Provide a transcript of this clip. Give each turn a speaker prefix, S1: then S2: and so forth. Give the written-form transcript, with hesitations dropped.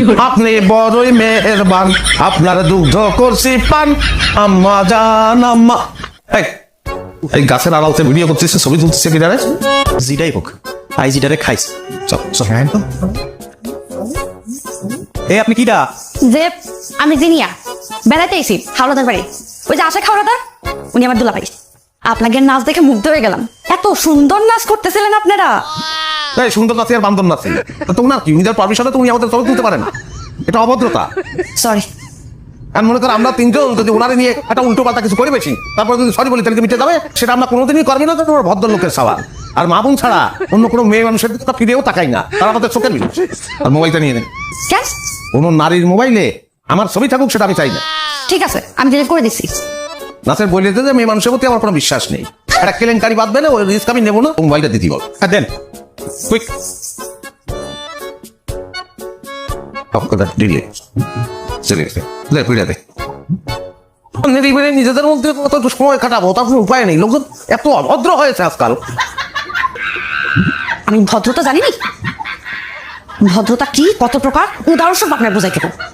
S1: আপনি বড়ই মেহেরবান, আপনার দুগ্ধ করছি পান, আম্মা জান আম্মা। এই গাছের আড়ালতে ভিডিও করছিস, ছবি তুলছিস কি জানে?
S2: জিটাই হোক, আই জিটারে খাইস।
S1: চল চল।
S2: এই আপনি কিডা?
S3: যে আমি জিনিয়া বেড়াতে এসি হাওড়াদার বাড়ি। ওই যে আশা হাওড়াদার, উনি আমার দুলাভাই। আপনাকে নাচ দেখে মুগ্ধ হয়ে গেলাম, এত সুন্দর নাচ করতেছিলেন আপনারা।
S1: এই সুন্দর নাচি আর বান্দর নাচি, তোমার কি নিজের পারমিশনে তুমি আমাদের ছবি তুলতে পারে না? এটা অভদ্রতা।
S3: সরি।
S1: আর মনে করো আমরা তিনজন যদি ওনারে নিয়ে একটা উল্টো পাল্টা কিছু করে বেশি, তারপরে যদি সরি বলি তাহলে মিটে যাবে, সেটা আমরা কোনোদিনই করবি না। তোমার ভদ্রলোকের সওয়াল। আর মা বোন ছাড়া অন্য কোনো মেয়ে মানুষের দিকে ফিরেও তাকাই না, তারা আমাদের চোখের মিল। আর মোবাইলটা নিয়ে নেন।
S3: কেন?
S1: কোনো নারীর মোবাইলে আমার ছবি থাকুক সেটা আমি চাই না।
S3: ঠিক আছে, আমি ডিলিট করে দিচ্ছি।
S1: নাচের বই দিতে যে মেয়ে মানুষের প্রতি আমার কোনো বিশ্বাস নেই। একটা কেলেঙ্কারি বাঁধবে না, ওই রিস্ক আমি নেবো না। মোবাইলটা দিতে বল।
S2: হ্যাঁ দেন, কুইক।
S1: নিজেদের মধ্যে কত সময় কাটাবো তার কোনো উপায় নেই। লোকজন এত অভদ্র হয়েছে আজকাল।
S3: আমি ভদ্রতা জানি না। ভদ্রতা কি, কত প্রকার, উদাহরণ সব আপনার বোঝাই দেবো।